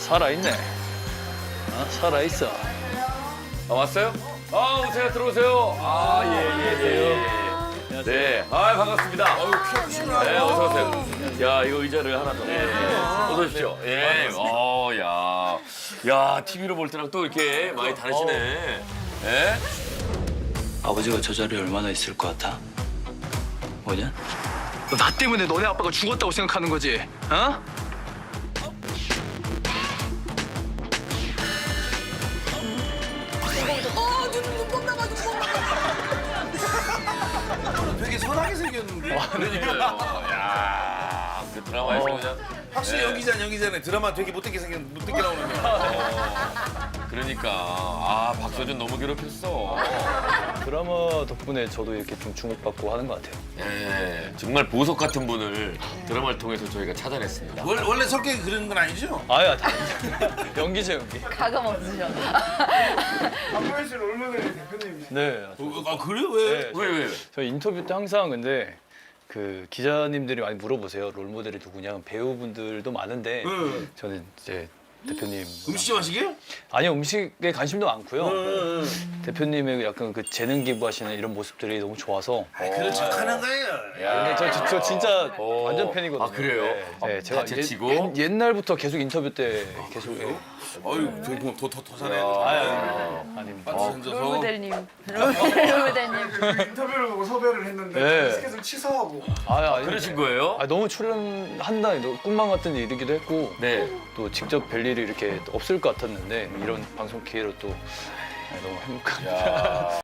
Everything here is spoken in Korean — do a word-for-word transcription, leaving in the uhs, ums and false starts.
살아있네. 아, 살아있어. 아, 왔어요? 아, 오세요, 들어오세요. 아, 예, 예, 예. 네, 아, 반갑습니다. 네, 어서 오세요. 야, 이거 의자를 하나 더. 네. 어서 오십시오. 예, 어, 야. 야, 티비로 볼 때랑 또 이렇게 많이 다르시네. 예? 아버지가 저 자리에 얼마나 있을 것 같아? 뭐냐? 너 나 때문에 너네 아빠가 죽었다고 생각하는 거지? 어? 어, 눈, 눈곱 나가, 눈곱 나가. 되게 선하게 생겼는데. 그러니까요. 야, 그 드라마에서 그냥. 확실히 연기자 연기자네. 드라마 되게 못되게 생겼 못되게 나오는 거. 그러니까. 아, 박서준 너무 괴롭혔어. 드라마 덕분에 저도 이렇게 좀 주목받고 하는 것 같아요. 예, 정말 보석 같은 분을 드라마를 통해서 저희가 찾아냈습니다. 원, 원래 성격이 그런 건 아니죠? 아야, 다 연기죠, 연기. 가감 없으셔. 박보현 씨 롤모델이 대표님이시죠? 네. 어, 아 그래요? 왜? 네, 왜, 왜, 왜? 저 인터뷰 때 항상 근데 그 기자님들이 많이 물어보세요. 롤모델이 누구냐? 배우분들도 많은데 응. 저는 이제 대표님 음식 좀 하시게요? 아니요, 음식에 관심도 많고요. 응. 대표님의 약간 그 재능 기부하시는 이런 모습들이 너무 좋아서. 아 그런 척하는 거예요. 근데 저, 저, 저 진짜 어. 완전 팬이거든요. 아, 그래요? 네, 네, 제가 다 제치고? 옛, 옛날부터 계속 인터뷰 때 계속. 어유 저기 보면 더더 더 잘해. 아, 아닙니다. 반지 던져서. 롤모델님. 롤모델님. 인터뷰를 보고 섭외를 했는데 네. 스케줄 취소하고 아, 아니, 그러신 거예요? 아, 너무 출연한다, 꿈만 같은 일이기도 했고 네. 또 직접 뵐 일이 이렇게 없을 것 같았는데 이런 방송 기회로 또 너무 행복합니다. 야.